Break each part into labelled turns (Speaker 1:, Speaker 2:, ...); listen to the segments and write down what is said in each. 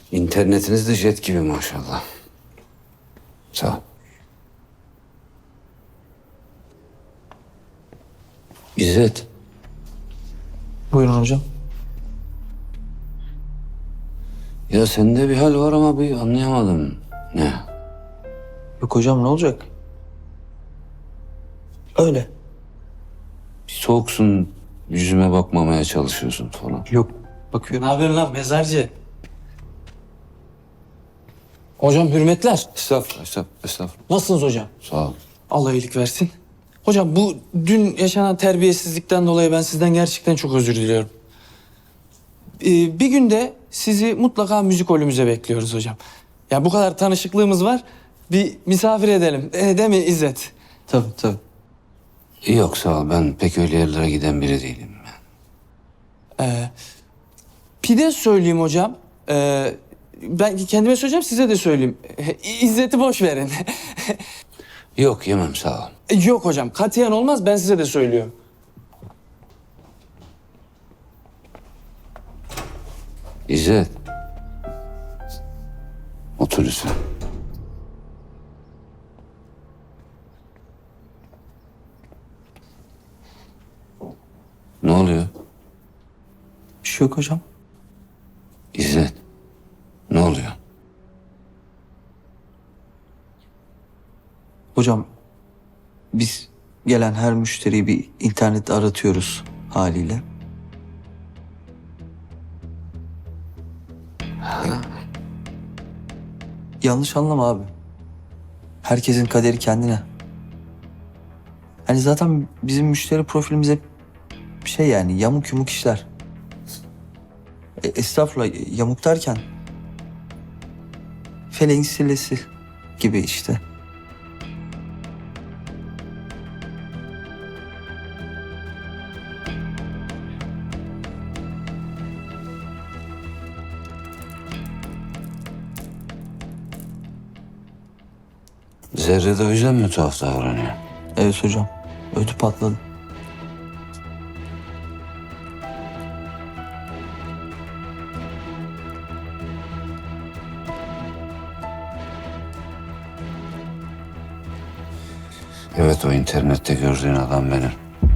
Speaker 1: İnternetiniz de jet gibi maşallah. Sağ ol. İzzet.
Speaker 2: Buyurun hocam.
Speaker 1: Ya sende bir hal var ama bir anlayamadım. Ne?
Speaker 2: Yok hocam, ne olacak? Öyle.
Speaker 1: Bir soğuksun, yüzüme bakmamaya çalışıyorsun falan.
Speaker 2: Yok. Bakıyorum.
Speaker 3: Ne yapıyorsun lan mezarcı? Hocam hürmetler.
Speaker 1: Estağfurullah.
Speaker 3: Nasılsınız hocam?
Speaker 1: Sağ ol.
Speaker 3: Allah iyilik versin. Hocam bu dün yaşanan terbiyesizlikten dolayı ben sizden gerçekten çok özür diliyorum. Bir günde sizi mutlaka müzikolümüze bekliyoruz hocam. Ya bu kadar tanışıklığımız var. Bir misafir edelim. Değil mi İzzet?
Speaker 2: Tabii.
Speaker 1: Yok sağ ol. Ben pek öyle yerlere giden biri değilim.
Speaker 3: Pide söyleyeyim hocam. Ben kendime söyleyeceğim, size de söyleyeyim. İzzet'i boş verin.
Speaker 1: Yok yemem sağ ol.
Speaker 3: Yok hocam, katiyen olmaz. Ben size de söylüyorum.
Speaker 1: İzzet. Otur lütfen. Ne oluyor?
Speaker 2: Bir şey yok hocam.
Speaker 1: İzzet. Ne oluyor?
Speaker 2: Hocam, biz gelen her müşteriyi bir internette aratıyoruz haliyle. Yanlış anlama abi. Herkesin kaderi kendine. Hani zaten bizim müşteri profilimiz hep yani yamuk yumuk işler. Estağfurullah, yamuk derken feleğin sillesi gibi işte.
Speaker 1: Zerre de o yüzden mi tuhaf davranıyor?
Speaker 2: Evet hocam. Ödü patladı.
Speaker 1: Evet o internette gördüğün adam benim.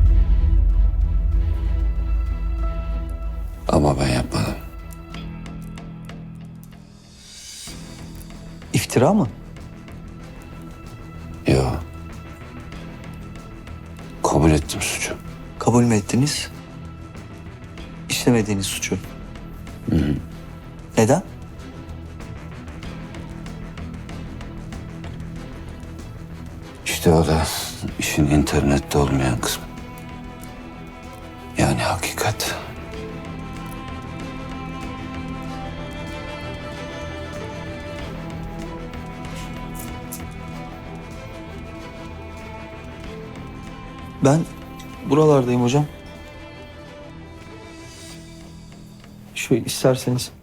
Speaker 1: Ama ben yapmadım.
Speaker 2: İftira mı?
Speaker 1: Yok. Kabul ettim suçu.
Speaker 2: Kabul mü ettiniz? İşlemediğiniz suçu. Neden?
Speaker 1: İşte o da işin internette olmayan kısmı. Yani hakikat.
Speaker 2: Ben buralardayım hocam. Şöyle isterseniz